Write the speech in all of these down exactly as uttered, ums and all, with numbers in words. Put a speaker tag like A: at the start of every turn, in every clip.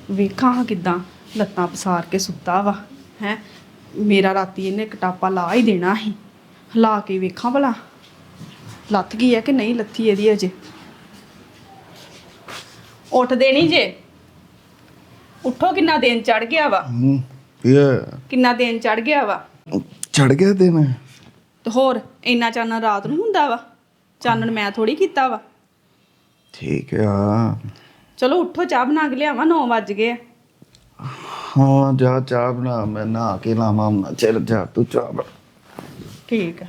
A: ਵੇਖਾਂ ਹਾਂ ਕਿੱਦਾਂ ਲੱਤਾਂ ਪਸਾਰ ਕੇ ਸੁੱਤਾ ਵਾ ਹੈ। ਮੇਰਾ ਰਾਤੀ ਇਹਨੇ ਕਟਾਪਾ ਲਾ ਹੀ ਦੇਣਾ ਸੀ। ਹਿਲਾ ਕੇ ਵੇਖਾਂ ਭਲਾ ਲੱਥ ਗਈ ਹੈ ਕਿ ਨਹੀਂ ਲੱਥੀ ਇਹਦੀ ਅਜੇ। ਉੱਠਦੇ ਨਹੀਂ ਜੇ। ਉੱਠੋ, ਕਿੰਨਾ ਦਿਨ ਚੜ ਗਿਆ ਵਾ।
B: ਹੂੰ ਇਹ
A: ਕਿੰਨਾ ਦਿਨ ਚੜ ਗਿਆ ਵਾ।
B: ਚੜ ਗਿਆ ਦਿਨ।
A: ਤੇ ਹੋਰ ਇੰਨਾ ਚਾਨਣ ਰਾਤ ਨੂੰ ਹੁੰਦਾ ਵਾ। ਚਾਨਣ ਮੈਂ ਥੋੜੀ ਕੀਤਾ ਵਾ।
B: ਠੀਕ ਆ।
A: ਚਲੋ ਉੱਠੋ, ਚਾਹ ਬਣਾ ਕੇ ਲਿਆਵਾਂ। ਨੌ ਵੱਜ ਗਏ ਆ।
B: ਹਾਂ ਜਾ ਚਾਹ ਬਣਾ, ਮੈਂ ਨਹਾ ਕੇ ਲਾਵਾਂ ਨਾ। ਚੱਲ ਜਾ ਤੂੰ ਚਾਹ ਬਣਾ।
A: ਠੀਕ ਆ।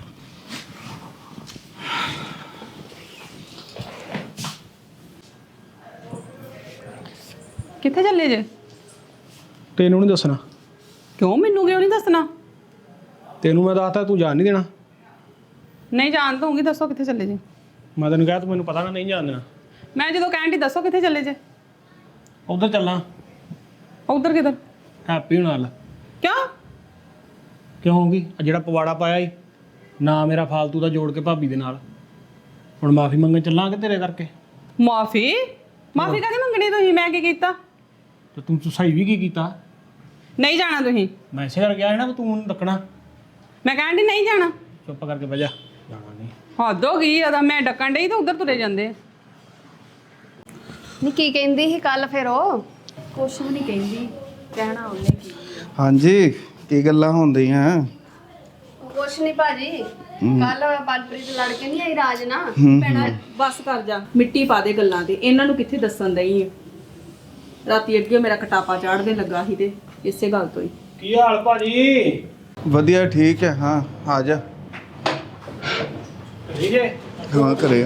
A: ਕਿੱਥੇ ਚੱਲੇ ਜੇ?
C: ਤੈਨੂੰ ਨਹੀਂ ਦੱਸਣਾ।
A: ਕਿਉਂ? ਮੈਨੂੰ ਕਿਉਂ ਨਹੀਂ ਦੱਸਣਾ?
C: ਤੈਨੂੰ ਮੈਂ ਦੱਸਤਾ, ਤੂੰ ਜਾਣ ਨਹੀਂ ਦੇਣਾ।
A: ਨਹੀਂ ਜਾਣ ਦਊਂਗੀ। ਦੱਸੋ ਕਿੱਥੇ ਚੱਲੇ ਜੇ?
C: ਮੈਂ ਤੈਨੂੰ ਕਿਹਾ ਤੂੰ ਮੈਨੂੰ ਪਤਾ ਨਾ ਨਹੀਂ ਜਾਣ ਦੇਣਾ।
A: ਮੈਂ ਜਦੋਂ ਕਹਿਣ ਦੀ ਦੱਸੋ ਕਿੱਥੇ ਚੱਲੇ ਜੇ?
C: ਉਧਰ ਚੱਲਾਂ।
A: ਉਧਰ ਕਿੱਧਰ?
C: ਹੈਪੀ ਹੋਣ ਨਾਲ।
A: ਕਿਉਂ?
C: ਕਿਉਂ ਹੋਊਗੀ? ਆ ਜਿਹੜਾ ਪਵਾੜਾ ਪਾਇਆ ਈ ਨਾ ਮੇਰਾ ਫਾਲਤੂ ਦਾ ਜੋੜ ਕੇ ਭਾਬੀ ਦੇ ਨਾਲ, ਹੁਣ ਮਾਫੀ ਮੰਗਣ ਚੱਲਾਂਗੇ ਤੇਰੇ ਕਰਕੇ।
A: ਮਾਫੀ? ਮਾਫੀ ਕਾਹਦੀ ਮੰਗਣੀ ਤੁਸੀਂ? ਮੈਂ ਕੀ ਕੀਤਾ?
C: ਤੇ ਤੂੰ ਤੂੰ ਸਹੀ ਵੀ ਕੀ ਕੀਤਾ?
A: ਨਹੀਂ ਜਾਣਾ ਤੁਸੀਂ।
C: ਮੈਂ ਇਸੇ ਕਰ ਗਿਆ ਨਾ ਵੀ ਤੂੰ ਉਹਨੂੰ ਡੱਕਣਾ।
A: ਮੈਂ ਕਹਿਣ ਦੀ ਨਹੀਂ ਜਾਣਾ।
C: ਚੁੱਪ ਕਰਕੇ ਬਹਿ ਜਾ। ਜਾਣਾ ਨਹੀਂ।
A: ਹੱਦ ਹੋ ਗਈ ਆ। ਮੈਂ ਡੱਕਣ ਡਈ ਤਾਂ ਉਧਰ ਤੁਰੇ ਜਾਂਦੇ ਆ।
D: ਨੀ ਕੀ ਕਹਿੰਦੀ ਸੀ ਕੱਲ ਫਿਰ ਉਹ?
A: ਕੁਛ ਵੀ ਨਹੀਂ ਕਹਿੰਦੀ। ਕਹਿਣਾ ਉਹਨੇ ਕੀ।
B: ਹਾਂਜੀ ਕੀ ਗੱਲਾਂ ਹੁੰਦੀਆਂ?
D: ਕੁਛ ਨਹੀਂ ਭਾਜੀ, ਕੱਲ ਬਲਪ੍ਰੀਤ ਲੜ ਕੇ ਨਹੀਂ ਆਈ ਰਾਜ ਨਾਲ।
A: ਭੈਣਾ ਬਸ ਕਰ ਜਾ। ਮਿੱਟੀ ਪਾ ਦੇ ਗੱਲਾਂ ਤੇ। ਇਹਨਾਂ ਨੂੰ ਕਿੱਥੇ ਦੱਸਣ ਦਈ ਆ। ਰਾਤੀ ਅੱਗੇ ਮੇਰਾ ਕਟਾਪਾ ਚਾੜਦੇ ਲੱਗਾ ਸੀ ਤੇ ਇਸੇ ਗੱਲ ਤੋਂ ਹੀ।
C: ਕੀ ਹਾਲ ਭਾਜੀ?
B: ਵਧੀਆ ਠੀਕ ਹੈ। ਹਾਂ ਆ ਜਾ।
C: ਠੀਕ ਹੈ।
B: ਹਾਂ ਘਰੇ ਆ।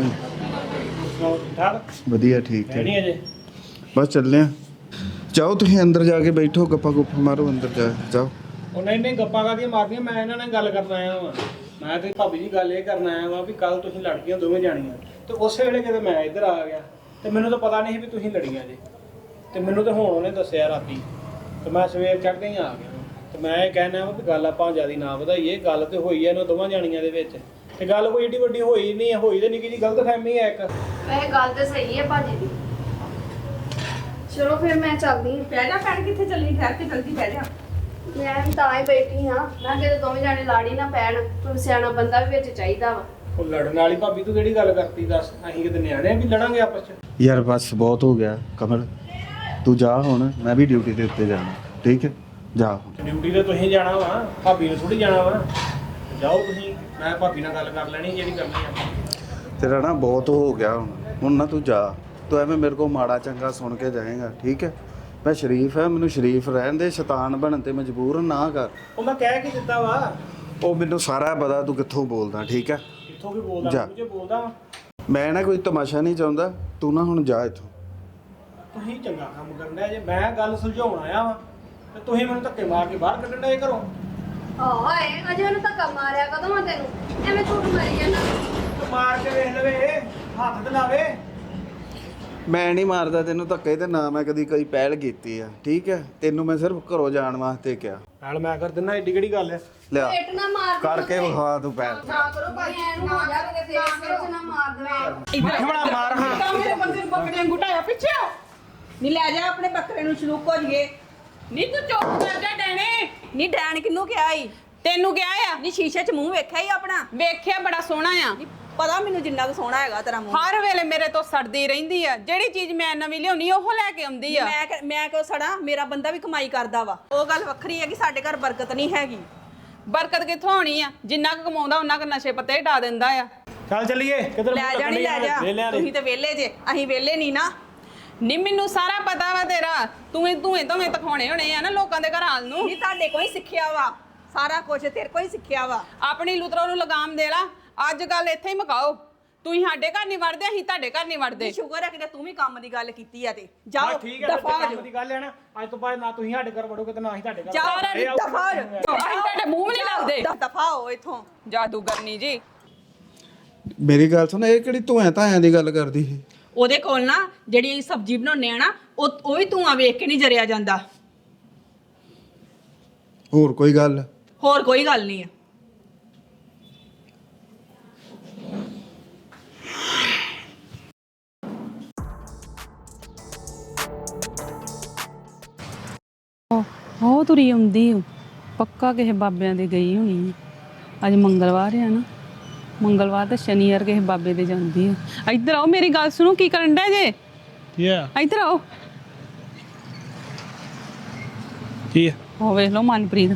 C: ਠੀਕ ਠਾਕ?
B: ਵਧੀਆ ਠੀਕ
C: ਹੈ
B: ਹੈ।
C: ਨਹੀਂ ਅਜੇ?
B: ਬਸ ਚੱਲੇ ਆ। ਜਾਓ ਤੁਸੀਂ ਅੰਦਰ ਜਾ ਕੇ ਬੈਠੋ, ਗੱਪਾਂ ਗੁੱਪਾਂ ਮਾਰੋ ਅੰਦਰ ਜਾ ਜਾਓ।
C: ਉਹ ਨਹੀਂ ਨਹੀਂ ਗੱਪਾਂ ਕਾਹਦੀਆਂ ਮਾਰਦੀਆਂ, ਮੈਂ ਇਹਨਾਂ ਨਾਲ ਗੱਲ ਕਰਨ ਆਇਆ ਵਾਂ। ਮੈਂ ਤੇ ਭਾਬੀ ਜੀ ਗੱਲ ਇਹ ਕਰਨ ਆਇਆ ਵਾਂ ਵੀ ਕੱਲ ਤੁਸੀਂ ਲੜ ਗਈਆਂ ਦੋਵੇਂ ਜਾਣੀਆਂ, ਤੇ ਉਸੇ ਵੇਲੇ ਕਿਤੇ ਮੈਂ ਇੱਧਰ ਆ ਗਿਆ ਤੇ ਮੈਨੂੰ ਤਾਂ ਪਤਾ ਨਹੀਂ ਸੀ ਵੀ ਤੁਸੀਂ ਲੜੀਆਂ ਜੇ। ਤੇ ਮੈਨੂੰ ਤਾਂ ਹੁਣ ਉਹਨੇ ਦੱਸਿਆ ਰਾਤੀ, ਤੇ ਮੈਂ ਸਵੇਰ ਚੜ੍ਹਦੇ ਹੀ ਆ ਗਿਆ। ਤੇ ਮੈਂ ਇਹ ਕਹਿਣਾ ਵਾ ਵੀ ਗੱਲ ਆਪਾਂ ਜ਼ਿਆਦਾ ਨਾ ਵਧਾਈਏ। ਗੱਲ ਤੇ ਹੋਈ ਹੈ ਇਹਨਾਂ ਦੋਵਾਂ ਜਾਣੀਆਂ ਦੇ ਵਿੱਚ, ਤੇ ਗੱਲ ਕੋਈ ਏਡੀ ਵੱਡੀ ਹੋਈ ਨਹੀਂ ਹੋਈ ਤੇ ਨਿੱਕੀ ਜੀ ਗਲਤਫਹਿਮੀ ਹੈ ਇੱਕ।
D: ਇਹ ਗੱਲ ਤੇ ਸਹੀ ਹੈ ਭਾਜੀ ਦੀ। ਚਲੋ ਫਿਰ ਮੈਂ ਚੱਲਦੀ ਹਾਂ।
A: ਬਹਿ ਜਾ ਭੈਣ। ਕਿੱਥੇ ਚੱਲੀ? ਠਹਿਰ ਕੇ ਜਲਦੀ ਬਹਿ ਜਾ।
D: ਮੈਂ ਵੀ ਤਾਂ ਹੀ ਬੈਠੀ ਹਾਂ। ਮੈਂ ਕਿਤੇ ਦੋਵੇਂ ਜਾਣੇ ਲਾੜੀ ਨਾ ਪੈਣ। ਕੋਈ ਸਿਆਣਾ ਬੰਦਾ ਵੀ ਵਿੱਚ ਚਾਹੀਦਾ ਵਾ।
C: ਉਹ ਲੜਨ ਵਾਲੀ ਭਾਬੀ ਤੂੰ ਕਿਹੜੀ ਗੱਲ ਕਰਤੀ? ਦੱਸ, ਅਸੀਂ ਕਿਤੇ ਨਿਆਣੇ ਆ ਵੀ ਲੜਾਂਗੇ ਆਪਸ ਚ?
B: ਯਾਰ ਬਸ ਬਹੁਤ ਹੋ ਗਿਆ ਕਮਲ, ਤੂੰ ਜਾ ਹੁਣ। ਮੈਂ ਵੀ ਡਿਊਟੀ ਦੇ ਉੱਤੇ ਜਾਣਾ। ਠੀਕ ਹੈ ਜਾ।
C: ਡਿਊਟੀ ਤੇ ਤੁਸੀਂ ਜਾਣਾ ਵਾ, ਭਾਬੀ ਨੂੰ ਥੋੜੀ ਜਾਣਾ ਵਾ। ਜਾਓ ਤੁਸੀਂ, ਮੈਂ ਭਾਬੀ ਨਾਲ ਗੱਲ ਕਰ ਲੈਣੀ ਜਿਹੜੀ ਕਰਨੀ ਆ।
B: ਤੇਰਾ ਨਾ ਬਹੁਤ ਹੋ ਗਿਆ ਹੁਣ। ਹੁਣ ਨਾ ਤੂੰ ਜਾ। ਤੂੰ ਐਵੇਂ ਮੇਰੇ ਕੋਲ ਮਾੜਾ ਚੰਗਾ ਸੁਣ ਕੇ ਜਾਏਗਾ। ਠੀਕ ਹੈ? ਮੈਂ ਸ਼ਰੀਫ ਹੈ, ਮੈਨੂੰ ਸ਼ਰੀਫ ਰਹਿਣ ਦੇ। ਸ਼ੈਤਾਨ ਬਣਨ ਤੇ ਮਜਬੂਰ ਨਾ ਕਰ।
C: ਉਹ ਮੈਂ ਕਹਿ ਕੇ ਦਿੱਤਾ ਵਾ।
B: ਉਹ ਮੈਨੂੰ ਸਾਰਾ ਪਤਾ ਤੂੰ ਕਿੱਥੋਂ ਬੋਲਦਾ। ਠੀਕ ਹੈ?
C: ਕਿੱਥੋਂ ਵੀ ਬੋਲਦਾ?
B: ਜਾ।
C: ਮੁਝੇ ਬੋਲਦਾ ਵਾ।
B: ਮੈਂ ਨਾ ਕੋਈ ਤਮਾਸ਼ਾ ਨਹੀਂ ਚਾਹੁੰਦਾ। ਤੂੰ ਨਾ ਹੁਣ ਜਾ ਇੱਥੋਂ।
C: ਤੁਸੀਂ ਚੰਗਾ ਕੰਮ ਕਰਨਾ ਜੇ। ਮੈਂ ਗੱਲ ਸੁਲਝਾਉਣ ਆਇਆ ਵਾ ਤੇ ਤੁਸੀਂ ਮੈਨੂੰ ਧੱਕੇ ਮਾਰ ਕੇ ਬਾਹਰ ਕੱਢਣ ਡਏ ਘਰੋਂ।
D: ਹਾਏ ਅਜੇ ਉਹਨੂੰ ਧੱਕਾ ਮਾਰਿਆ ਕਦੋਂ ਆ ਤੈਨੂੰ? ਐਵੇਂ ਝੂਠ ਮਾਰੀ ਜਾਂਦਾ।
C: ਤੇ ਮਾਰ ਕੇ ਵੇਖ ਲਵੇ, ਹੱਥ ਤੇ ਲਾਵੇ।
B: ਮੈਂ ਨਹੀਂ ਮਾਰਦਾ ਤੈਨੂੰ ਧੱਕੇ, ਤੇ ਨਾ ਮੈਂ ਕਦੀ ਕੋਈ ਪਹਿਲ ਕੀਤੀ ਆ। ਠੀਕ ਹੈ? ਤੈਨੂੰ ਮੈਂ ਸਿਰਫ ਘਰੋਂ ਜਾਣ ਵਾਸਤੇ ਕਿਹਾ।
C: ਨਾਲ ਮੈਂ ਕਰ ਦਿੰਦਾ, ਏਡੀ ਕਿਹੜੀ ਗੱਲ ਹੈ?
B: ਲਿਆ
D: ਪੇਟ ਨਾ ਮਾਰ ਦੇ
B: ਕਰਕੇ ਵਿਖਾ ਤੂੰ ਪਹਿਲ।
D: ਨਾ ਕਰੋ ਭਾਈ, ਐਨੂੰ ਹੋ ਜਾ ਕੇ ਫੇਰ ਸਿਰ ਚ ਨਾ ਮਾਰ ਦੇਵੇ।
C: ਮੱਖਣਾ ਮਾਰ ਹਾਂ।
A: ਤਾਂ ਮੇਰੇ ਬੰਦੇ ਨੂੰ ਬੱਕਰੇ ਨੂੰ ਘੁਟਾਇਆ ਪਿੱਛੇ। ਨਹੀਂ ਲੈ ਜਾ ਆਪਣੇ ਬੱਕਰੇ ਨੂੰ। ਸ਼ਲੂਕ ਹੋ ਜੀਏ। ਨਹੀਂ ਤੂੰ ਚੁੱਪ ਕਰ ਜਾ ਡੈਣੇ।
E: ਨੀ ਡੈਣ ਕਿਹਨੂੰ ਕਿਹਾ ਈ?
A: ਤੈਨੂੰ ਕਿਹਾ ਆ?
E: ਨੀ ਸ਼ੀਸ਼ੇ 'ਚ ਮੂੰਹ ਵੇਖਿਆ ਈ ਆਪਣਾ?
A: ਵੇਖਿਆ ਬੜਾ ਸੋਹਣਾ ਆ।
E: ਨੀ ਪਤਾ ਮੈਨੂੰ ਜਿੰਨਾ ਕੁ ਸੋਹਣਾ ਹੈਗਾ ਤੇਰਾ ਮੂੰਹ।
A: ਹਰ ਵੇਲੇ ਮੇਰੇ ਤੋਂ ਸੜਦੀ ਰਹਿੰਦੀ ਆ। ਜਿਹੜੀ ਚੀਜ਼ ਮੈਂ ਨਵੀਂ ਲਿਆਉਣੀ ਉਹ ਲੈ ਕੇ ਆਉਂਦੀ ਆ।
E: ਮੈਂ ਕਿ- ਮੈਂ ਕਿਉਂ ਸੜਾ? ਮੇਰਾ ਬੰਦਾ ਵੀ ਕਮਾਈ ਕਰਦਾ ਵਾ। ਉਹ ਗੱਲ ਵੱਖਰੀ ਹੈ ਕਿ ਸਾਡੇ ਘਰ ਬਰਕਤ ਨਹੀਂ ਹੈਗੀ।
A: ਬਰਕਤ ਕਿੱਥੋਂ ਆਉਣੀ ਆ? ਜਿੰਨਾ ਕੁ ਕਮਾਉਂਦਾ ਉਹਨਾਂ ਕੁ ਨਸ਼ੇ ਪੱਤੇ ਢਾ ਦਿੰਦਾ ਆ।
C: ਚੱਲ ਚੱਲੀਏ। ਕਿੱਧਰ
E: ਲੈ ਜਾ ਨੀ ਲੈ ਜਾ। ਤੁਸੀਂ ਤੇ ਵਿਹਲੇ ਜੇ, ਅਸੀਂ ਵਿਹਲੇ ਨਹੀਂ ਨਾ।
A: ਨੀ ਮੈਨੂੰ ਸਾਰਾ ਪਤਾ ਵਾ ਤੇਰਾ। ਤੂੰ ਹੀ ਤੂੰ ਹੀ ਤੂੰ ਤਖਾਉਣੇ ਹੋਣੇ ਆ ਨਾ ਲੋਕਾਂ ਦੇ ਘਰਾਂ ਨੂੰ।
E: ਨੀ ਤੁਹਾਡੇ ਕੋਈ ਸਿੱਖਿਆ ਵਾ ਸਾਰਾ ਕੁਝ, ਤੇਰੇ ਕੋਈ ਸਿੱਖਿਆ ਵਾ।
A: ਆਪਣੀ ਲੁਤਰੋ ਨੂੰ ਲਗਾਮ ਦੇ ਲਾ। ਅੱਜ ਗੱਲ ਇੱਥੇ ਹੀ ਮੁਕਾਓ। ਤੂੰ ਹੀ ਸਾਡੇ ਘਰ ਨਹੀਂ ਵੜਦੇ, ਅਸੀਂ ਤੁਹਾਡੇ ਘਰ ਨਹੀਂ ਵੜਦੇ।
E: ਸ਼ੁਕਰ ਹੈ ਕਿ ਤੂੰ ਵੀ ਕੰਮ ਦੀ ਗੱਲ ਕੀਤੀ ਆ ਤੇ ਜਾਓ
C: ਠੀਕ ਹੈ।
E: ਦਫਾ ਹੋ
C: ਕੰਮ
E: ਜਾਓ।
C: ਦੀ ਗੱਲ ਹੈ ਨਾ, ਅੱਜ ਤੋਂ ਬਾਅਦ ਨਾ ਤੁਸੀਂ ਸਾਡੇ ਘਰ ਵੜੋਗੇ ਤੇ ਨਾ ਹੀ ਤੁਹਾਡੇ ਘਰ।
E: ਜਾਓ
C: ਇਹ ਆਓ।
E: ਦਫਾ ਹੋ ਜਾਓ।
A: ਅਸੀਂ ਤੁਹਾਡੇ ਮੂੰਹ ਵੀ ਨਹੀਂ ਲਾਉਂਦੇ।
E: ਦਫਾ ਹੋ ਇੱਥੋਂ।
A: ਜਾਦੂਗਰਨੀ ਜੀ।
B: ਮੇਰੀ ਗੱਲ ਸੁਣ, ਇਹ ਕਿਹੜੀ ਧੂਆਂ ਧਾਇਆਂ ਦੀ ਗੱਲ ਕਰਦੀ ਸੀ?
E: ਉਹਦੇ ਕੋਲ ਨਾ ਜਿਹੜੀ ਸਬਜ਼ੀ ਬਣਾਉਂਦੇ ਆ ਨਾ, ਉਹ ਉਹ ਵੀ ਧੂਆਂ ਵੇਖ ਕੇ ਨਹੀਂ ਜਰਿਆ ਜਾਂਦਾ।
B: ਹੋਰ ਕੋਈ ਗੱਲ?
E: ਹੋਰ ਕੋਈ ਗੱਲ ਨਹੀਂ ਆ।
F: ਉਹ ਤੁਰੀ ਆਉਂਦੀ ਓ। ਪੱਕਾ ਕਿਸੇ ਬਾਬਿਆਂ ਦੇ ਗਈ ਹੋਣੀ ਆ। ਅੱਜ ਮੰਗਲਵਾਰ ਆ ਨਾ, ਮੰਗਲਵਾਰ ਤੇ ਸ਼ਨੀਵਾਰ ਕਿਸੇ ਬਾਬੇ ਦੇ ਜਾਂਦੀ ਆ। ਇੱਧਰ ਆਓ, ਮੇਰੀ ਗੱਲ ਸੁਣੋ, ਕੀ ਕਰਨ ਡਿਆ ਜੇ?
C: ਕੀ ਆ
F: ਇੱਧਰ ਆਓ।
C: ਕੀ ਆ
F: ਉਹ ਵੇਖ ਲਓ ਮਨਪ੍ਰੀਤ,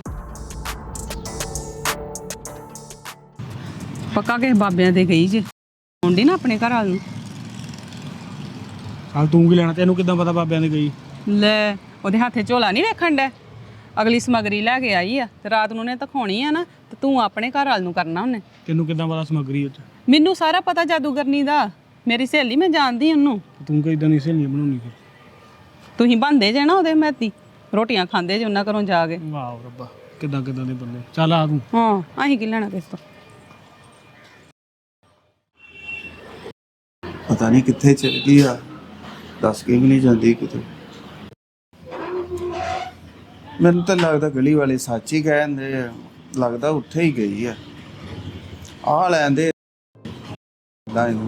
F: ਪੱਕਾ ਕਿਸੇ ਬਾਬਿਆਂ ਦੇ ਗਈ ਜੇ। ਆਉਂਦੀ ਨਾ ਆਪਣੇ ਘਰ ਵਾਲ ਨੂੰ।
C: ਹਾਲ ਤੂੰ ਕੀ ਲੈਣਾ? ਤੈਨੂੰ ਕਿੱਦਾਂ ਪਤਾ ਬਾਬਿਆਂ ਦੇ ਗਈ?
F: ਲੈ, ਉਹਦੇ ਹੱਥੇ ਝੋਲਾ ਨਹੀਂ ਵੇਖਣ ਡਿਆ? ਅਗਲੀ ਸਮਗਰੀ ਲੈ ਕੇ ਆਈ ਆ ਤੇ ਰਾਤ ਨੂੰ ਨੇ ਦਿਖਾਉਣੀ ਆ ਨਾ, ਤੇ ਤੂੰ ਆਪਣੇ ਘਰ ਵਾਲ ਨੂੰ ਕਰਨਾ ਉਹਨੇ।
C: ਤੈਨੂੰ ਕਿੱਦਾਂ ਪਤਾ ਸਮੱਗਰੀ ਉੱਚ?
F: ਮੈਨੂੰ ਸਾਰਾ ਪਤਾ ਜਾਦੂਗਰਨੀ ਦਾ। ਮੇਰੀ ਸਹੇਲੀ, ਮੈਂ ਜਾਣਦੀ ਉਹਨੂੰ।
C: ਤੂੰ ਕਿਦਾਂ ਦੀ ਸਹੇਲੀ ਬਣਾਉਣੀ ਫਿਰ?
F: ਤੁਸੀਂ ਬੰਦੇ ਜੇ ਨਾ ਉਹਦੇ ਮਹਿਤੀ, ਰੋਟੀਆਂ ਖਾਂਦੇ ਜੇ ਉਹਨਾਂ ਘਰੋਂ ਜਾ ਕੇ।
C: ਵਾਹ ਰੱਬਾ, ਕਿੱਦਾਂ ਕਿੱਦਾਂ ਦੇ ਬੰਦੇ। ਚੱਲ ਆ ਤੂੰ।
F: ਹਾਂ, ਅਸੀਂ ਕੀ ਲੈਣਾ ਕਿਸ ਤੋਂ?
B: ਪਤਾ ਨਹੀਂ ਕਿੱਥੇ ਚਲ ਗਈ ਆ, ਦੱਸ ਕੇ ਵੀ ਨਹੀਂ ਜਾਂਦੀ ਕਿਤੇ। ਮੈਨੂੰ ਤਾਂ ਲੱਗਦਾ ਗਲੀ ਵਾਲੇ ਸੱਚ ਹੀ ਕਹਿੰਦੇ ਆ, ਲੱਗਦਾ ਉੱਥੇ ਹੀ ਗਈ ਆ। ਆ ਲੈਂਦੇ ਦਾ ਇਹਨੂੰ।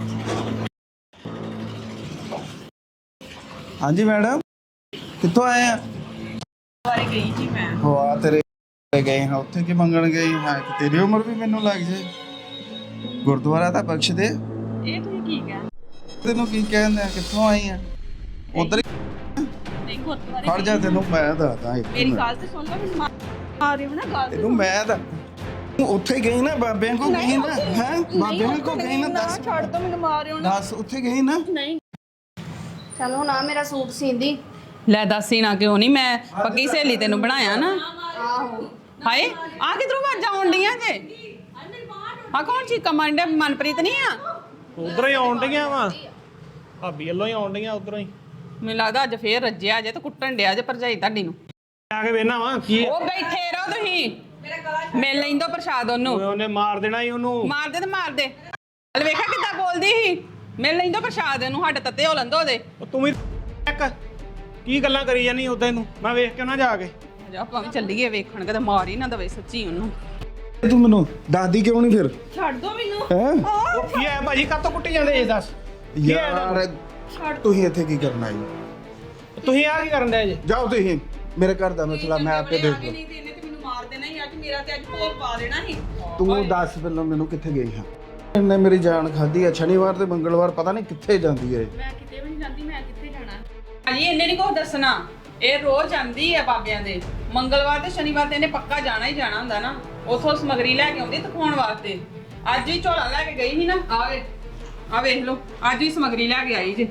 B: ਹਾਂਜੀ ਮੈਡਮ, ਕਿੱਥੋਂ ਆਏ ਆ?
F: ਬਾਰੇ ਗਈ ਜੀ ਮੈਂ।
B: ਹੋ ਆ ਤੇਰੇ ਗਏ ਹਾਂ, ਉੱਥੇ ਕੀ ਮੰਗਣ ਗਈ ਹਾਂ? ਤੇਰੀ ਉਮਰ ਵੀ ਮੈਨੂੰ ਲੱਗ ਜੇ। ਗੁਰਦੁਆਰਾ ਤਾਂ ਬਖਸ਼ ਦੇ।
F: ਇਹ ਤੁਸੀਂ ਕੀ ਕਹਿ?
B: ਤੈਨੂੰ ਕੀ ਕਹਿੰਦੇ ਆ? ਕਿੱਥੋਂ ਆਈ ਆ? ਉਧਰ
F: ਨਹੀਂ ਗੁਰਦੁਆਰੇ
B: ਖੜ ਜਾ, ਤੈਨੂੰ ਮੈਂ ਦੱਸਦਾ ਇੱਕ
F: ਮੇਰੀ
B: ਮਿੰਟ।
F: ਗੱਲ ਤੇ ਸੁਣ ਲਓ, ਮੈਨੂੰ ਮਾਰ ਰਹੇ ਹੋ ਨਾ ਗੱਲ।
B: ਤੈਨੂੰ ਮੈਂ ਦੱਸ, ਤੂੰ ਉੱਥੇ ਗਈ ਨਾ ਬਾਬਿਆਂ ਕੋ ਗਈ ਨਾ? ਹੈ ਬਾਬਿਆਂ ਕੋ ਗਈ ਨਾ? ਦੱਸ,
F: ਛੱਡ ਦੋ, ਮੈਨੂੰ ਮਾਰ ਰਹੇ ਹੋ ਨਾ।
B: ਦੱਸ ਉੱਥੇ ਗਈ ਨਾ?
D: ਨਹੀਂ ਚਲੋ ਨਾ ਮੇਰਾ ਸੂਟ ਸੀਂਦੀ।
F: ਲੈ ਦੱਸੀ ਨਾ, ਕਿਉਂ ਨਹੀਂ? ਮੈਂ ਪੱਕੀ ਸਹੇਲੀ ਤੈਨੂੰ ਬਣਾਇਆ ਨਾ।
D: ਆਹੋ
F: ਹਾਏ, ਆ ਕਿਧਰੋਂ ਵਾਜਾਂ ਆਉਣ ਡੀਆਂ ਜੇ? ਆ ਕੌਣ ਚੀਕਾ ਮਾਰਨ ਡਿਆ? ਮਨਪ੍ਰੀਤ ਨਹੀਂ ਆ?
C: ਉਧਰੋਂ ਹੀ ਆਉਣ ਡੀਆਂ ਵਾ, ਭਾਬੀ ਵੱਲੋਂ ਹੀ ਆਉਣ ਡੀਆਂ ਉਧਰੋਂ ਹੀ।
F: ਮੈਨੂੰ ਲੱਗਦਾ ਅੱਜ ਫੇਰ ਰੱਜਿਆ ਜੇ ਤੇ ਕੁੱਟਣ ਡਿਆ ਜੇ ਭਰਜਾਈ ਤੁਹਾਡੀ ਨੂੰ।
C: ਆ ਕੇ ਵੇਖਣਾ ਵਾ ਕੀ ਆ।
F: ਉਹ ਬੈਠੇ ਰਹੋ ਤੁਸੀਂ, ਮਿਲ ਲੈਂਦੋ ਪ੍ਰਸ਼ਾਦ ਉਹਨੂੰ।
C: ਓਏ ਉਹਨੇ ਮਾਰ ਦੇਣਾ ਹੀ ਉਹਨੂੰ।
F: ਮਾਰ ਦੇ ਤੇ ਮਾਰ ਦੇ। ਹਲ ਵੇਖਿਆ ਕਿੱਦਾਂ ਬੋਲਦੀ ਸੀ? ਮਿਲ ਲੈਂਦੋ ਪ੍ਰਸ਼ਾਦ ਇਹਨੂੰ, ਸਾਡੇ ਤੱਤੇ ਹੋ ਲੰਦੋ ਉਹਦੇ।
C: ਉਹ ਤੂੰ ਵੀ ਇੱਕ ਕੀ ਗੱਲਾਂ ਕਰੀ ਜਾਨੀ ਉਦਾਂ ਨੂੰ? ਮੈਂ ਵੇਖ ਕੇ ਨਾ ਜਾ ਕੇ।
F: ਜਾ ਆਪਾਂ ਵੀ ਚੱਲੀਏ ਵੇਖਣ, ਕਿਤੇ ਮਾਰ ਹੀ ਨਾ ਦਵੇ ਸੱਚੀ ਉਹਨੂੰ।
B: ਤੂੰ ਮੈਨੂੰ ਦੱਸਦੀ ਕਿਉਂ ਨਹੀਂ ਫਿਰ?
F: ਛੱਡ ਦੋ ਮੈਨੂੰ।
B: ਹੈ
C: ਉਹ ਕੀ ਹੈ ਭਾਜੀ, ਕਾਹਤੋਂ ਕੁੱਟੀ ਜਾਂਦੇ ਇਹ ਦੱਸ? ਕੀ ਹੈ ਇਹਦਾ?
B: ਯਾਰ ਤੁਸੀਂ ਇੱਥੇ ਕੀ ਕਰਨਾ ਜੀ?
C: ਤੁਸੀਂ ਆ ਕੀ ਕਰਨ ਡਏ ਜੇ?
B: ਜਾਓ ਤੁਸੀਂ, ਮੇਰੇ ਘਰ ਦਾ ਮਸਲਾ ਮੈਂ ਆਪੇ ਦੇਖ ਲਵਾਂ।
F: ਨਹੀਂ ਤੇ ਇਹਨੇ ਤੇ ਮੈਨੂੰ ਮਾਰ ਦੇਣਾ ਹੀ ਅੱਜ, ਮੇਰਾ ਤੇ ਅੱਜ ਭੋਗ ਪਾ ਦੇਣਾ ਸੀ।
B: ਤੂੰ ਦੱਸ ਪਹਿਲਾਂ ਮੈਨੂੰ, ਕਿੱਥੇ ਗਈ ਹਾਂ? ਇਹਨੇ ਮੇਰੀ ਜਾਨ ਖਾਧੀ ਆ। ਸ਼ਨੀਵਾਰ ਤੇ ਮੰਗਲਵਾਰ ਪਤਾ ਨਹੀਂ ਕਿੱਥੇ ਜਾਂਦੀ ਹੈ।
D: ਮੈਂ ਕਿਤੇ ਵੀ ਨਹੀਂ ਜਾਂਦੀ, ਮੈਂ ਕਿੱਥੇ ਜਾਣਾ?
F: ਹਾਂਜੀ, ਇਹਨੇ ਨਹੀਂ ਕੁਛ ਦੱਸਣਾ। ਇਹ ਰੋਜ਼ ਜਾਂਦੀ ਹੈ ਬਾਬਿਆਂ ਦੇ। ਮੰਗਲਵਾਰ ਤੇ ਸ਼ਨੀਵਾਰ ਤੇ ਇਹਨੇ ਪੱਕਾ ਜਾਣਾ ਹੀ ਜਾਣਾ ਹੁੰਦਾ ਨਾ। ਉਥੋਂ ਸਮਗਰੀ ਲੈ ਕੇ ਆਉਂਦੀ ਦਿਖਾਉਣ ਵਾਸਤੇ। ਅੱਜ ਹੀ ਝੋਲਾ ਲੈ ਕੇ ਗਈ ਸੀ ਨਾ। ਆਵੇ ਆ ਵੇਖ ਲਓ, ਅੱਜ ਹੀ ਸਮਗਰੀ ਲੈ ਕੇ ਆਈ ਜੇ।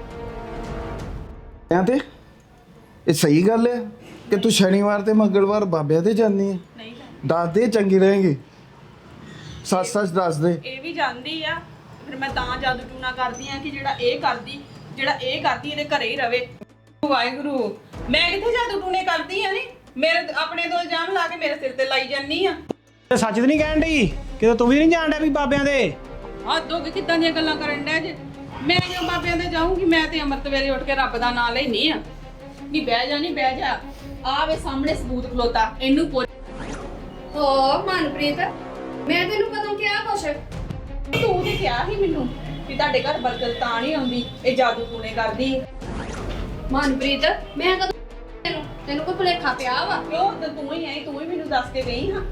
B: ਐਂ ਤੇ ਇਹ ਸਹੀ ਗੱਲ ਹੈ ਕਿ ਤੂੰ ਸ਼ਨੀਵਾਰ ਤੇ ਮੰਗਲਵਾਰ ਬਾਬਿਆਂ ਦੇ ਜਾਂਦੀ ਹੈ?
F: ਨਹੀਂ
B: ਦੱਸ ਦੇ, ਚੰਗੀ ਰਹੇਗੀ। ਸੱਚ ਸੱਚ ਦੱਸ ਦੇ।
F: ਇਹ ਵੀ ਜਾਂਦੀ ਆ, ਫਿਰ ਮੈਂ ਤਾਂ ਜਾਦੂ ਟੂਣਾ ਕਰਦੀ ਆ ਕਿ ਜਿਹੜਾ ਇਹ ਕਰਦੀ, ਜਿਹੜਾ ਇਹ ਕਰਦੀ ਇਹਦੇ ਘਰੇ ਹੀ ਰਵੇ। ਵਾਹਿਗੁਰੂ, ਮੈਂ ਕਿੱਥੇ ਜਾਦੂ ਟੂਣੇ ਕਰਦੀ ਆ? ਨਹੀਂ, ਮੇਰੇ ਆਪਣੇ ਤੋਂ ਇਲਜ਼ਾਮ ਲਾ ਕੇ ਮੇਰੇ ਸਿਰ ਤੇ ਲਾਈ ਜਾਨੀ ਆ।
C: ਤੇ ਸੱਚ ਤੇ ਨਹੀਂ ਕਹਿਣ ਡਈ? ਕਿਤੇ ਤੂੰ ਵੀ ਨਹੀਂ ਜਾਣ ਡਿਆ ਵੀ ਬਾਬਿਆਂ ਦੇ?
F: ਹੱਦ ਹੋ ਗਈ, ਕਿੱਦਾਂ ਦੀਆਂ ਗੱਲਾਂ ਕਰਨ ਡਿਆ ਜੇ? ਮੈਂ ਕਿਉਂ ਬਾਬਿਆਂ ਦੇ ਜਾਊਂਗੀ? ਮੈਂ ਤੇ ਅੰਮ੍ਰਿਤ ਵੇਲੇ ਉੱਠ ਕੇ ਰੱਬ ਦਾ ਨਾਮ ਲੈਣੀ ਆ। ਨਹੀਂ ਬਹਿ ਜਾ, ਨਹੀਂ ਬਹਿ ਜਾ। ਆ ਵੇ ਸਾਹਮਣੇ ਸਬੂਤ ਖਲੋਤਾ, ਇਹਨੂੰ ਪੁੱਛ।
D: ਹੋ ਮਨਪ੍ਰੀਤ, ਮੈਂ ਤੈਨੂੰ ਕਦੋਂ ਕਿਹਾ ਕੁਛ?
F: ਤੂੰ ਤੇ ਕਿਹਾ ਸੀ ਮੈਨੂੰ ਕਿ ਤੁਹਾਡੇ ਘਰ ਬਰਕਤ ਤਾਂ ਨਹੀਂ ਆਉਂਦੀ, ਇਹ ਜਾਦੂ ਟੂਣੇ ਕਰਦੀ।
D: ਮਨਪ੍ਰੀਤ, ਮੈਂ ਕਦੋਂ ਤੈਨੂੰ ਤੈਨੂੰ ਕੋਈ ਭੁਲੇਖਾ ਪਿਆ ਵਾ?
F: ਕਿਉਂ? ਤੇ ਤੂੰ ਹੀ ਆਈ, ਤੂੰ ਹੀ ਮੈਨੂੰ ਦੱਸ ਕੇ ਗਈ ਹਾਂ।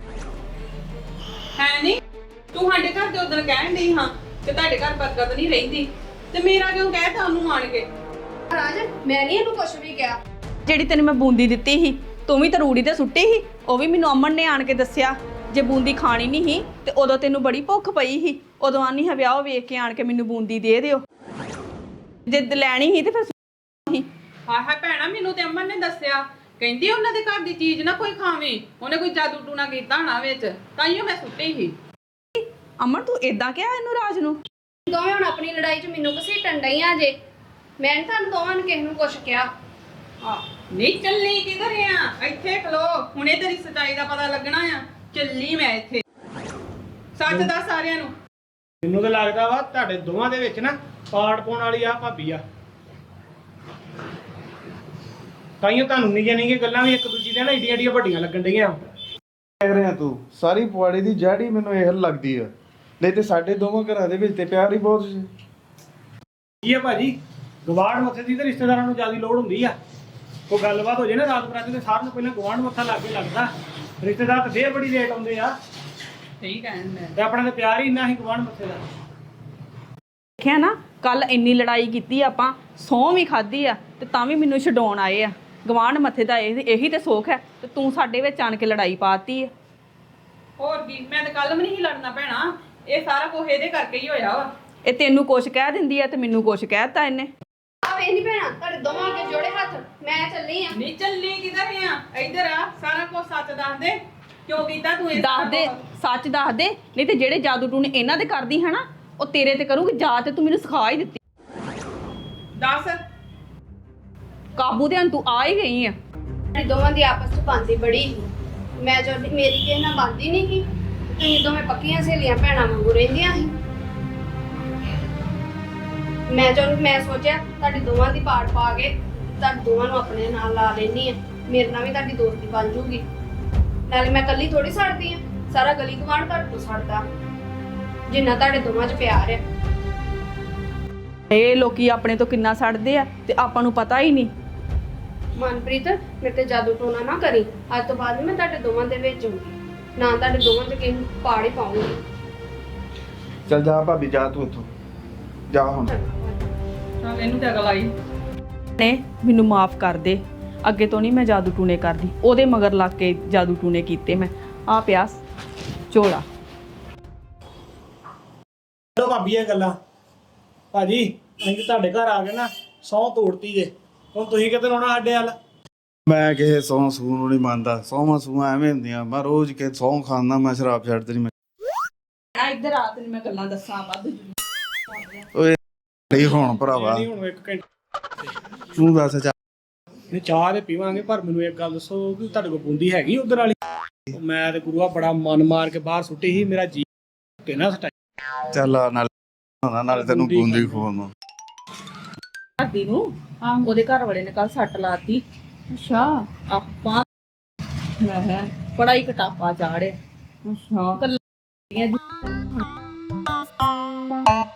F: ਹੈ ਨਹੀਂ, ਤੂੰ ਸਾਡੇ ਘਰ ਦੇ ਉਦੋਂ ਕਹਿਣ ਡਈ ਹਾਂ ਕਿ ਤੁਹਾਡੇ ਘਰ ਬਰਕਤ ਨਹੀਂ ਰਹਿੰਦੀ, ਤੇ ਮੇਰਾ ਕਿਉਂ ਕਹਿਤਾ ਉਹਨੂੰ ਆਣ ਕੇ?
D: ਰਾਜ, ਮੈਂ ਨਹੀਂ ਇਹਨੂੰ ਕੁਛ ਵੀ ਕਿਹਾ।
E: ਜਿਹੜੀ ਤੈਨੂੰ ਮੈਂ ਬੂੰਦੀ ਦਿੱਤੀ ਸੀ, ਤੂੰ ਵੀ ਤਰੂੜੀ ਤੇ ਸੁੱਟੀ ਸੀ। ਉਹ ਵੀ ਮੈਨੂੰ ਅਮਨ ਨੇ ਆਣ ਕੇ ਦੱਸਿਆ। ਜੇ ਬੂੰਦੀ ਖਾਣੀ ਨਹੀਂ ਸੀ ਤੇ ਉਦੋਂ ਤੈਨੂੰ ਬੜੀ ਭੁੱਖ ਪਈ ਸੀ, ਉਦੋਂ ਆਨੀ ਹੈ ਵਿਆਹ ਵੇਖ ਕੇ ਆਣ ਕੇ ਮੈਨੂੰ ਬੂੰਦੀ ਦੇ ਦਿਓ। ਜੇ ਲੈਣੀ ਸੀ ਤੇ ਫਿਰ ਸੀ।
F: ਹਾਂ ਹਾਂ ਭੈਣਾ, ਮੈਨੂੰ ਤੇ ਅਮਨ ਨੇ ਦੱਸਿਆ, ਕਹਿੰਦੀ ਉਹਨਾਂ ਦੇ ਘਰ ਦੀ ਚੀਜ਼ ਨਾ ਕੋਈ ਖਾਵੇ। ਉਹਨੇ ਕੋਈ ਜਾਦੂ ਟੂਣਾ ਕੀਤਾ ਹੋਣਾ ਵਿੱਚ, ਤਾਈਓ ਮੈਂ ਸੁੱਟੀ ਸੀ।
E: ਅਮਨ, ਤੂੰ ਏਦਾਂ ਕਿਹਾ ਇਹਨੂੰ ਰਾਜ ਨੂੰ?
D: ਦੋਵੇਂ ਹੁਣ ਆਪਣੀ ਲੜਾਈ 'ਚ ਮੈਨੂੰ ਘਸੀਟਣ ਡਈਆਂ ਜੇ। ਮੈਂ ਨੀ ਤੁਹਾਨੂੰ ਦੋਵਾਂ ਨੂੰ ਕਿਸੇ ਨੂੰ ਕੁਛ ਕਿਹਾ।
F: ਆ ਨਹੀਂ ਚੱਲੀ ਕਿਧਰ ਆ? ਇੱਥੇ ਖਲੋ, ਹੁਣੇ ਤੇਰੀ ਸੱਚਾਈ ਦਾ ਪਤਾ ਲੱਗਣਾ ਆ। ਚੱਲੀ ਮੈਂ ਇੱਥੇ, ਸੱਚ ਦੱਸ ਸਾਰਿਆਂ ਨੂੰ।
C: ਮੈਨੂੰ ਤਾਂ ਲੱਗਦਾ ਵਾ ਤੁਹਾਡੇ ਦੋਵਾਂ ਦੇ ਵਿੱਚ ਨਾ ਪਾੜ ਪਾਉਣ ਵਾਲੀ ਆ ਭਾਬੀ ਆ। ਤਾਈਓ ਤੁਹਾਨੂੰ ਨਿੱਕੀਆਂ ਨਿੱਕੀਆਂ ਗੱਲਾਂ ਵੀ ਇੱਕ ਦੂਜੀ ਦੇ ਨਾ ਏਡੀਆਂ ਏਡੀਆਂ ਵੱਡੀਆਂ ਲੱਗਣ ਡਈਆਂ।
B: ਕਹਿ ਰਿਹਾ ਤੂੰ ਸਾਰੀ ਪੁਆੜੀ ਦੀ ਜੜ ਹੀ ਮੈਨੂੰ ਇਹ ਲੱਗਦੀ ਆ। ਨਹੀਂ ਤੇ ਸਾਡੇ ਦੋਵਾਂ ਘਰਾਂ ਦੇ ਵਿੱਚ ਤੇ ਪਿਆਰ ਹੀ ਬਹੁਤ ਸੀ।
C: ਕੀ ਆ ਭਾਜੀ, ਗਵਾੜ ਮੱਥੇ ਦੀ ਤੇ ਰਿਸ਼ਤੇਦਾਰਾਂ ਨੂੰ ਜ਼ਿਆਦਾ ਲੋੜ ਹੁੰਦੀ ਆ। ਕੋਈ ਗੱਲਬਾਤ ਹੋ ਜੇ ਨਾ ਰਾਤ ਬਰਾਤ ਤੇ ਸਾਰਿਆਂ ਨੂੰ ਪਹਿਲਾਂ ਗਵਾਂਢ ਮੱਥਾ ਲੱਗ ਕੇ ਲੱਗਦਾ। ਰਿਸ਼ਤੇਦਾਰ ਤਾਂ ਫੇਰ ਬੜੀ ਲੇਟ ਆਉਂਦੇ ਆ
F: ਠੀਕ ਕਹਿਣ ਮੈਂ
C: ਤੇ ਆਪਣਾ ਤਾਂ ਪਿਆਰ ਹੀ ਇੰਨਾ ਸੀ ਗਵਾਂਢ ਮੱਥੇ ਦਾ।
E: ਦੇਖਿਆ ਨਾ ਕੱਲ ਇੰਨੀ ਲੜਾਈ ਕੀਤੀ ਆਪਾਂ, ਸਹੁੰ ਵੀ ਖਾਧੀ ਆ ਤੇ ਤਾਂ ਵੀ ਮੈਨੂੰ ਛਡਾਉਣ ਆਏ ਆ। ਗਵਾਂਢ ਮੱਥੇ ਦਾ ਇਹ ਇਹੀ ਤੇ ਸੁੱਖ ਹੈ ਤੇ ਤੂੰ ਸਾਡੇ ਵਿੱਚ ਆਣ ਕੇ ਲੜਾਈ ਪਾਤੀ ਆ।
F: ਹੋਰ ਕੀ, ਮੈਂ ਤਾਂ ਕੱਲ ਵੀ ਨਹੀਂ ਲੜਨਾ ਭੈਣਾ, ਇਹ ਸਾਰਾ ਕੁਝ ਇਹਦੇ ਕਰਕੇ ਹੀ ਹੋਇਆ ਵਾ।
E: ਇਹ ਤੈਨੂੰ ਕੁਛ ਕਹਿ ਦਿੰਦੀ ਆ ਤੇ ਮੈਨੂੰ ਕੁਛ ਕਹਿਤਾ ਇਹਨੇ।
D: ਆ ਵੇਖ ਨਹੀਂ ਭੈਣਾ, ਤੁਹਾਡੇ ਦੋਵਾਂ ਅੱਗੇ ਜੋੜੇ ਹੱਥ, ਮੈਂ ਚੱਲੀ ਆ।
F: ਨਹੀਂ ਚੱਲੀ ਕਿਧਰ ਆ? ਇੱਧਰ ਆ, ਸਾਰਾ ਕੁਝ ਸੱਚ ਦੱਸ ਦੇ, ਕਿਉਂ ਕੀਤਾ ਤੂੰ ਇਹ
E: ਦੱਸ ਦੇ, ਸੱਚ ਦੱਸ ਦੇ, ਨਹੀਂ ਤੇ ਜਿਹੜੇ ਜਾਦੂ ਟੂਣੇ ਇਹਨਾਂ ਦੇ ਕਰਦੀ ਹੈ ਨਾ ਉਹ ਤੇਰੇ ਤੇ ਕਰੂੰਗੀ। ਜਾ ਤੇ ਤੂੰ ਮੈਨੂੰ ਸਿਖਾ ਹੀ ਦਿੱਤੀ।
F: ਦੱਸ।
E: ਕਾਬੂ ਦੇ ਤੂੰ ਆ ਹੀ ਗਈ ਆ।
D: ਤੁਹਾਡੀ ਦੋਵਾਂ ਦੀ ਆਪਸ ਚ ਬਣਦੀ ਬੜੀ ਸੀ। ਮੈਂ ਜੋ ਮੇਰੀ ਕਿਸੇ ਨਾਲ ਬਣਦੀ ਨਹੀਂ ਸੀ, ਤੁਸੀਂ ਦੋਵੇਂ ਪੱਕੀਆਂ ਸਹੇਲੀਆਂ ਭੈਣਾਂ ਵਾਂਗੂ ਰਹਿੰਦੀਆਂ ਸੀ। ਮੈਂ ਜੋ ਮੈਂ ਸੋਚਿਆ ਤੁਹਾਡੀ ਦੋਵਾਂ ਦੀ ਪਾੜ ਪਾ ਕੇ ਤੁਹਾਡੇ ਦੋਵਾਂ ਨੂੰ ਆਪਣੇ ਨਾਲ ਲਾ ਲੈਣੀ ਆ, ਮੇਰੇ ਨਾਲ ਵੀ ਤੁਹਾਡੀ ਦੋਸਤੀ ਬਣ ਜੂਗੀ। ਨਾਲੇ ਮੈਂ ਇਕੱਲੀ ਥੋੜੀ ਸੜਦੀ ਆ, ਸਾਰਾ ਗਲੀ ਗੁਆਂਢ ਤੁਹਾਡੇ ਤੋਂ ਸੜਦਾ ਜਿੰਨਾ ਤੁਹਾਡੇ ਦੋਵਾਂ 'ਚ ਪਿਆਰ ਆ।
E: ਇਹ ਲੋਕੀ ਆਪਣੇ ਤੋਂ ਕਿੰਨਾ ਸੜਦੇ ਆ ਤੇ ਆਪਾਂ ਨੂੰ ਪਤਾ ਹੀ ਨਹੀਂ।
D: ਮਨਪ੍ਰੀਤ, ਮੇਰੇ ਤੇ ਜਾਦੂ ਟੋਨਾ ਨਾ ਕਰੀ। ਅੱਜ ਤੋਂ ਬਾਅਦ ਮੈਂ ਤੁਹਾਡੇ ਦੋਵਾਂ ਦੇ ਵਿੱਚ ਹੋਊਗੀ, ਨਾ ਤੁਹਾਡੇ ਦੋਵਾਂ 'ਚ ਕਿਸੇ ਨੂੰ ਪਾੜ ਹੀ ਪਾਉਂਗੀ।
B: ਚੱਲ ਜਾ ਭਾਬੀ, ਜਾ ਤੂੰ ਇੱਥੋਂ ਜਾ ਹੁਣ।
F: ਚੱਲ ਇਹਨੂੰ ਤੇ ਅਗਲ ਆਈ।
E: ਨੇ ਮੈਨੂੰ ਮਾਫ ਕਰ ਦੇ, ਅੱਗੇ ਤੋਂ ਨਹੀਂ ਮੈਂ ਜਾਦੂ ਟੂਣੇ ਕਰਦੀ। ਉਹਦੇ ਮਗਰ ਲੱਗ ਕੇ ਜਾਦੂ ਟੂਣੇ ਕੀਤੇ ਮੈਂ। ਆ ਪਿਆਸ ਝੋਲਾ।
C: ਚਲੋ ਭਾਬੀ ਇਹ ਗੱਲਾਂ ਭਾਜੀ, ਅਸੀਂ ਤੁਹਾਡੇ ਘਰ ਆ ਗਏ ਨਾ, ਸਹੁੰ ਤੋੜਤੀ ਜੇ। ਹੁਣ ਤੁਸੀਂ ਕਿਤੇ ਆਉਣਾ ਸਾਡੇ ਵੱਲ?
B: ਮੈਂ ਕਿਸੇ ਸਹੁੰ ਸੂਹ ਨੂੰ ਨਹੀਂ ਮੰਨਦਾ। ਸਹੁੰਾਂ ਸੂਹਾਂ ਐਵੇਂ ਹੁੰਦੀਆਂ, ਮੈਂ ਰੋਜ਼ ਕੇ ਸਹੁੰ ਖਾਂਦਾ, ਮੈਂ ਸ਼ਰਾਬ ਛੱਡਦੀ ਨਹੀਂ।
E: ਆ ਇੱਧਰ ਆ, ਤੈਨੂੰ ਮੈਂ ਗੱਲਾਂ ਦੱਸਾਂ ਵੱਧ।
B: ਓਏ ਨਹੀਂ ਹੁਣ ਭਰਾਵਾ,
C: ਨਹੀਂ ਹੁਣ ਇੱਕ ਘੰਟਾ
B: ਤੂੰ ਦੱਸ ਚਾ
C: ਨਹੀਂ ਚਾਹ ਤੇ ਪੀਵਾਂਗੇ, ਪਰ ਮੈਨੂੰ ਇੱਕ ਗੱਲ ਦੱਸੋ ਕਿ ਤੁਹਾਡੇ ਕੋਲ ਬੂੰਦੀ ਹੈਗੀ ਉਧਰ ਵਾਲੀ? ਮੈਂ ਤੇ ਗੁਰੂਆ ਬੜਾ ਮਨ ਮਾਰ ਕੇ ਬਾਹਰ ਸੁੱਟੀ ਸੀ, ਮੇਰਾ ਜੀ ਤੇ ਨਾ ਸਟਾਈ।
B: ਚੱਲ ਆ ਨਾਲ ਨਾਲ ਤੈਨੂੰ ਬੂੰਦੀ ਖਵਾਉਣਾ।
E: ਘਰਦੀ ਨੂੰ ਉਹਦੇ ਘਰ ਵਾਲੇ ਨੇ ਕੱਲ ਸੱਟ ਲਾਤੀ। ਅੱਛਾ। ਆਪਾਂ ਮੈਂ ਬੜਾ ਹੀ ਕਟਾਪਾ ਚਾੜਿਆ। ਅੱਛਾ।